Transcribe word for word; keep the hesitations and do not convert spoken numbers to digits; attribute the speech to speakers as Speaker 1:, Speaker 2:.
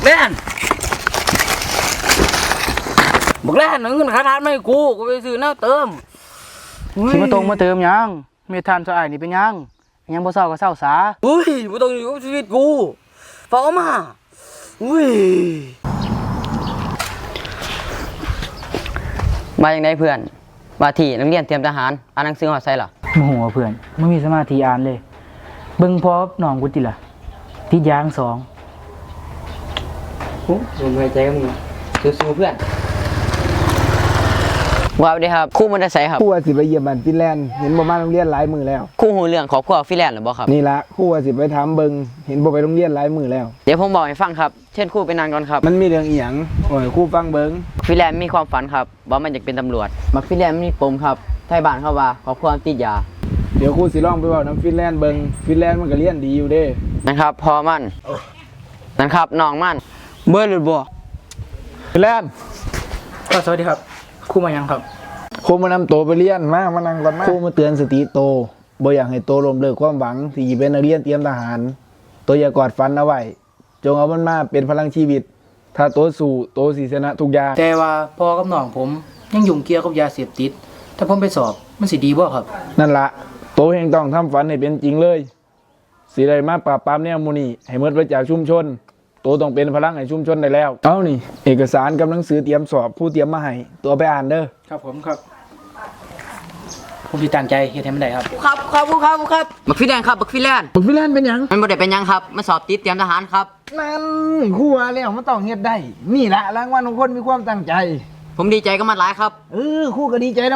Speaker 1: แล่นบอกแล่นเงินค่าทานไม่กูกูไปซื้อน้ำเติม
Speaker 2: สิมาตรงมาเติมยังเมทานสะอายนี่เป็นยังยังบ่เศร้าก็เศร้าสา
Speaker 1: อุ้ยไม่ต้องอยู่กับชีวิตกูเฝ้ามาอุ้ย
Speaker 3: มาอย่างไรเพื่อนมาที่นักเรียนเตรียมทหารอ่านหนังสือหอดไซหรอ
Speaker 2: โมโหเพื่อนไม่มีสมาธิอ่านเลยเบิ่งพอหนองกูติล่ะติดยางสอง
Speaker 3: โอ้ผมหายใจกับมึงสู้ๆเพื่อนว่าไปดีครับคู่มันจะใส่ครับ
Speaker 4: คู่ว่าสิไปเยี่ยมบ้านฟินแลนด์เห็นบ่มาโรงเรียนหลายมือแล้ว
Speaker 3: คู่หูเรื่องของพวกฟิแลนด์หรือบ่ครับ
Speaker 4: นี่ละคู่ว่าสิไปถามเบิงเห็นบ่ไปโรงเรียนหลายมือแล้ว
Speaker 3: เดี๋ยวผมบอกให้ฟังครับเช่นคู่ไปนานก่อนครับ
Speaker 4: มันมีเรื่องอีหยังโอ้ยคู่ฟังเบิง
Speaker 3: ฟิแลนด์มีความฝันครับว่ามันอยากเป็นตำรวจมักฟิแลนด์มีปมครับไทยบ้านเขาว่าขอความติดยา
Speaker 4: เดี๋ยวคู่สิลองไปเว้าน้ำฟินแลนด์เบิงฟินแลนด์มันก็เรียนดีอยู่เด้
Speaker 3: นะครับพอมันนะครับน้องมันเบอร์หรือบ่
Speaker 4: ฟินแลนด์
Speaker 2: ก็สวัสดีครับครูมายังครับ
Speaker 4: ครูมานำโตไปเรียนมามานั่งก่อนมาครูมาเตือนสติโตบ่อยากให้โตล้มเลิกความหวังที่จะเป็นนักเรียนเตรียมทหารโตอย่ากอดฝันเอาไว้จงเอามันมาเป็นพลังชีวิตถ้าโตสู้โตสิชนะทุกอย่าง
Speaker 2: แต่ว่าพ่อกับน้องผมยังยุ่งเกี่ยวกับยาเสพติดถ้าผมไปสอบมันสิดีบ่ครับ
Speaker 4: นั่นละโตเฮงต้องทำฝันให้เป็นจริงเลยสิได้มาปราบปรามแนวมูนี่ให้หมดไปจากชุมชนโตต้องเป็นพลังให้ชุมชนได้แล้วเอานี่เอกสารกับหนังสือเตรียมสอบผู้เตรียมมาให้ตัวไปอ่านเด้อ
Speaker 2: ครับผมครับผมสิตั้งใจเฮ็ดให้มันได้ครับ
Speaker 3: ครับครับครับครับบักฟิแลนด์ครับบักฟิแลนด์
Speaker 4: บักฟิแลนด์เป็นหยัง
Speaker 3: มันบ่ได้เป็นยังครับมันสอบติดเตรียมทหารครับ
Speaker 4: นั่นครูว่าแล้วมันต้องเฮ็ดได้นี่ละรางวัลของคนมีความตั้งใจ
Speaker 3: ผมดีใจกับมันหลายครับ
Speaker 4: เออครูก็ดีใจนะ